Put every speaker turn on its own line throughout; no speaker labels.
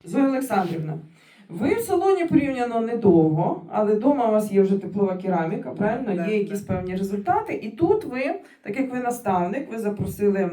Зоя Олександрівна, ви в салоні порівняно недовго, але вдома у вас є вже теплова кераміка, правильно?
Да,
є якісь певні результати. І тут ви, так як ви наставник, ви запросили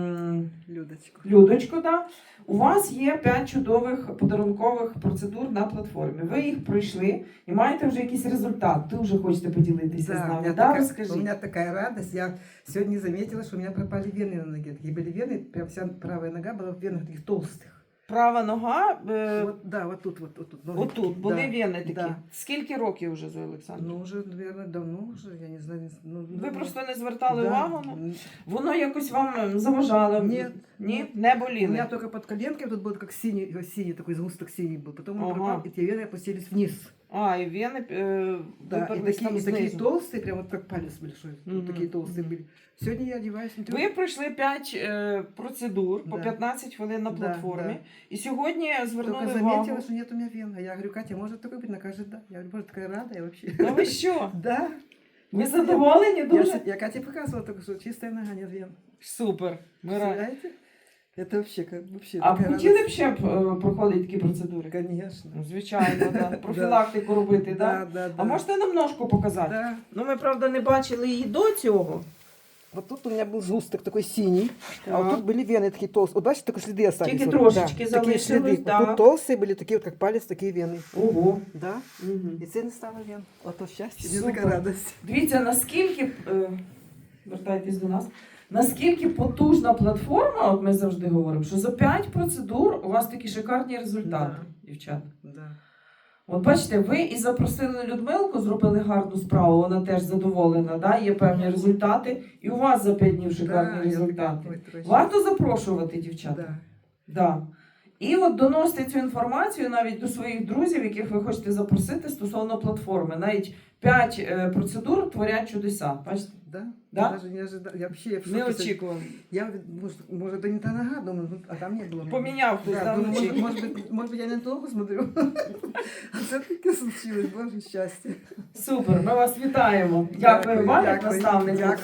Людочку, да? У вас є 5 чудових подарункових процедур на платформі. Ви їх пройшли і маєте вже якийсь результат. Ви вже хочете поділитися з нами. Да, розкажіть.
У меня такая радость. Я сегодня заметила, что у меня пропали вены на ноге. Такие были вены, прям вся правая нога была в венах таких толстых.
Права нога,
Вот, да, вот тут.
отут, були
да,
вени такі.
да.
Скільки років вже, Зоя Олександрівна?
Ну, уже, наверное, давно уже, я не знаю.
Ви просто не звертали
да.
увагу? Воно якось вам заважало?
Нет.
Ні? Не
У
боліли?
меня только под коленкой тут был как синий такой сгусток синий был. Потом он
Ага.
пропал, и те вены опустились вниз.
А, і вени
Да, и
виперлись там
такие
знизу.
толстые, прям вот как палец большой.
Мгм.
Вот такие толстые были. Сегодня я одеваюсь, смотрю.
Ви пройшли 5 процедур по
Да.
15 хвилин на
Да,
платформі.
да.
І сьогодні звернули
Только
увагу.
заметила, что нет у меня вен. А я говорю, Катя, может такой быть? Она кажет, да. Я говорю, боже, такая рада я вообще.
Ну ви що?
Да.
Ви задоволені дуже?
Я Кате показывала только что чистая нога, нет вен.
Супер. Ми раді.
Представляете? Это вообще, вообще
А
такая
хотіли б
радость.
ще проходити такі процедури?
Конечно.
Ну, звичайно, да. Профілактику робити, да?
Да.
А можете нам ножку показати?
Да.
Ну, ми, правда, не бачили її до цього.
Вот тут у меня был сгусток такой синий, а вот
Так.
тут были вены такие толстые. Вот бачите, только следы остались.
Тільки
вот,
трошечки
да, такие
залишились,
следы.
да.
Вот тут толстые были, такие вот как палец, такие вены.
Ого.
Да.
Угу.
И це не стало вен. Вот то счастье, мне
Супер.
такая радость.
Дивіться, наскільки, вертайтесь до нас, наскільки потужна платформа, от ми завжди говоримо, що за 5 процедур у вас такі шикарні результати, дівчата.
Да.
От бачите, ви і запросили Людмилку, зробили гарну справу, вона теж задоволена, да? Є певні результати, і у вас за 5 днів шикарні
Да,
результати.
Ой, точно.
Варто запрошувати, дівчата.
Да.
Да. І от доносите цю інформацію навіть до своїх друзів, яких ви хочете запросити стосовно платформи. Навіть 5 процедур творять чудеса. Бачите?
Да?
Да?
Я даже не ожидала. Я вообще в
Не
шоке.
очікували.
Я, может, это не та нога, думаю, ну, а там не было.
Поміняв хтось,
Да,
да,
думаю,
вночі?
может быть, я не на ту ногу смотрю. А це таке случилось, боже, щастя.
Супер, ми вас вітаємо. Дякую вам, як
Дякую.
наставнику.